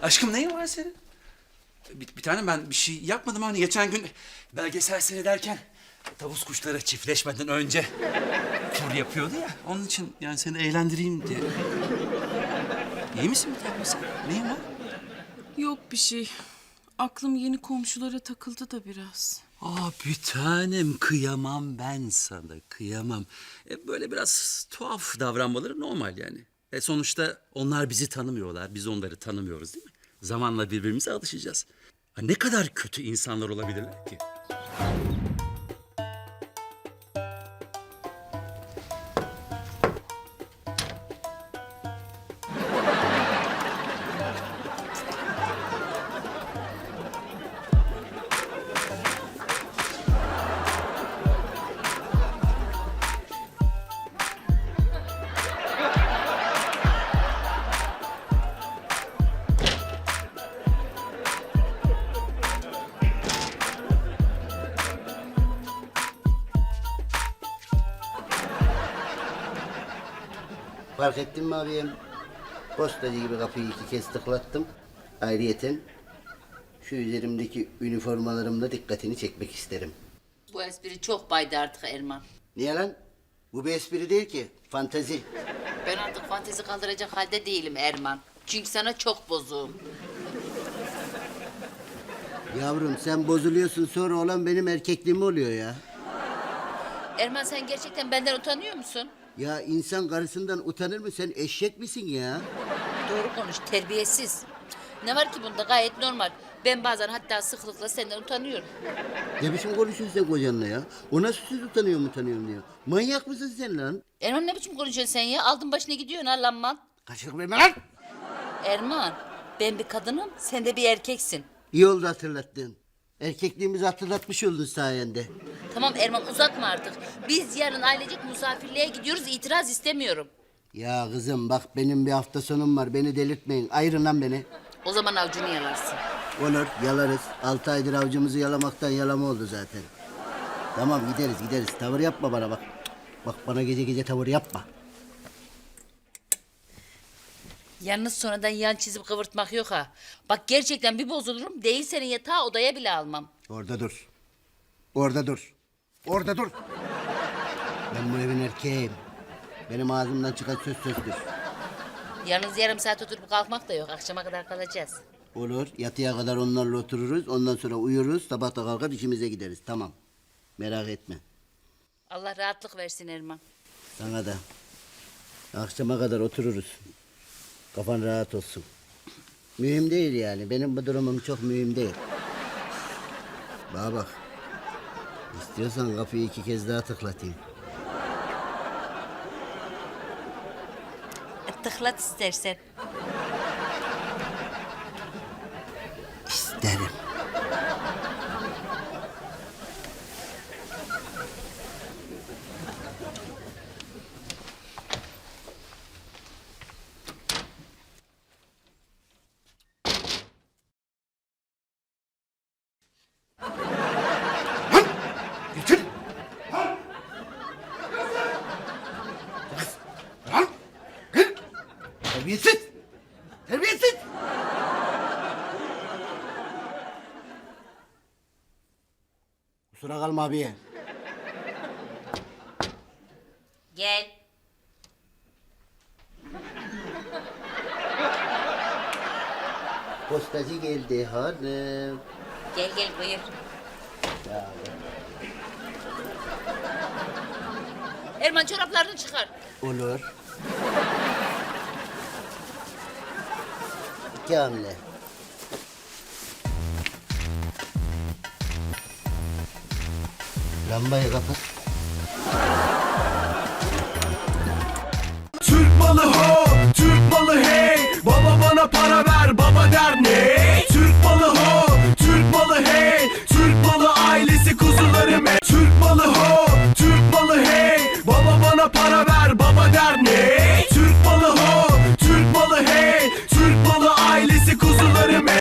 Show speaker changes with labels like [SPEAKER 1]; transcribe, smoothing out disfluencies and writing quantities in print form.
[SPEAKER 1] Aşkım neyin var senin? Bir tane ben bir şey yapmadım hani geçen gün belgesel seyrederken tavus kuşları çiftleşmeden önce tur yapıyordu ya. Onun için yani seni eğlendireyim diye. İyi misin bir tanem sen? Neyin var?
[SPEAKER 2] Yok bir şey. Aklım yeni komşulara takıldı da biraz.
[SPEAKER 1] Bir tanem kıyamam ben sana kıyamam. Böyle biraz tuhaf davranmaları normal yani. Sonuçta onlar bizi tanımıyorlar, biz onları tanımıyoruz değil mi? Zamanla birbirimize alışacağız. Ne kadar kötü insanlar olabilirler ki?
[SPEAKER 3] Fark ettin mi abim? Postacı gibi kapıyı 2 kez tıklattım. Ayrıyeten şu üzerimdeki üniformalarımla dikkatini çekmek isterim.
[SPEAKER 4] Bu espri çok baydı artık Erman.
[SPEAKER 3] Niye lan? Bu bir espri değil ki. Fantezi.
[SPEAKER 4] Ben artık fantezi kaldıracak halde değilim Erman. Çünkü sana çok bozuğum.
[SPEAKER 3] Yavrum sen bozuluyorsun sonra olan benim erkekliğim oluyor ya.
[SPEAKER 4] Erman sen gerçekten benden utanıyor musun?
[SPEAKER 3] Ya insan karısından utanır mı? Sen eşek misin ya?
[SPEAKER 4] Doğru konuş, terbiyesiz. Ne var ki bunda, gayet normal. Ben bazen hatta sıklıkla senden utanıyorum.
[SPEAKER 3] Ne biçim konuşuyorsun sen kocanla ya? O nasıl söz utanıyorum diyor. Manyak mısın sen lan?
[SPEAKER 4] Erman ne biçim konuşuyorsun sen ya? Aldın başına gidiyorsun ha lanman.
[SPEAKER 3] Kaçırık verme lan!
[SPEAKER 4] Erman, ben bir kadınım, sen de bir erkeksin.
[SPEAKER 3] İyi oldu hatırlattın. Erkekliğimizi hatırlatmış oldun sayende.
[SPEAKER 4] Tamam Erman, uzatma artık. Biz yarın ailecek misafirliğe gidiyoruz, itiraz istemiyorum.
[SPEAKER 3] Ya kızım bak benim bir hafta sonum var. Beni delirtmeyin. Ayırın lan beni.
[SPEAKER 4] O zaman avucunu yalarsın.
[SPEAKER 3] Olur yalarız. 6 aydır avcımızı yalamaktan yalama oldu zaten. Tamam gideriz. Tavır yapma bana bak. Bak bana gece gece tavır yapma.
[SPEAKER 4] Yalnız sonradan yan çizip kıvırtmak yok ha. Bak gerçekten bir bozulurum, değil senin yatağı odaya bile almam.
[SPEAKER 3] Orada dur. Ben bu evin erkeğim. Benim ağzımdan çıkan söz sözdür.
[SPEAKER 4] Yalnız yarım saat oturup kalkmak da yok, akşama kadar kalacağız.
[SPEAKER 3] Olur yatıya kadar onlarla otururuz. Ondan sonra uyuruz. Sabah da kalkar işimize gideriz. Tamam. Merak etme.
[SPEAKER 4] Allah rahatlık versin Erman.
[SPEAKER 3] Sana da. Akşama kadar otururuz. Kafan rahat olsun. Mühim değil yani. Benim bu durumum çok mühim değil. Bana bak. İstiyorsan kapıyı 2 kez daha tıklatayım.
[SPEAKER 4] Tıklat istersen.
[SPEAKER 3] İsterim.
[SPEAKER 1] Getir.
[SPEAKER 3] Terbiyesiz! Kusura kalma abiye.
[SPEAKER 4] Gel.
[SPEAKER 3] Postacı geldi hanım.
[SPEAKER 4] Gel buyur. Erman çoraplarını çıkar.
[SPEAKER 3] Olur. 2 hamle. Lambayı kapat.
[SPEAKER 5] Türk malı ho, Türk malı hey. Baba bana para ver, baba der ne? Türk malı ho, Türk malı hey. Türk malı ailesi kuzularım. Türk malı ho, Türk malı hey. Baba bana para ver.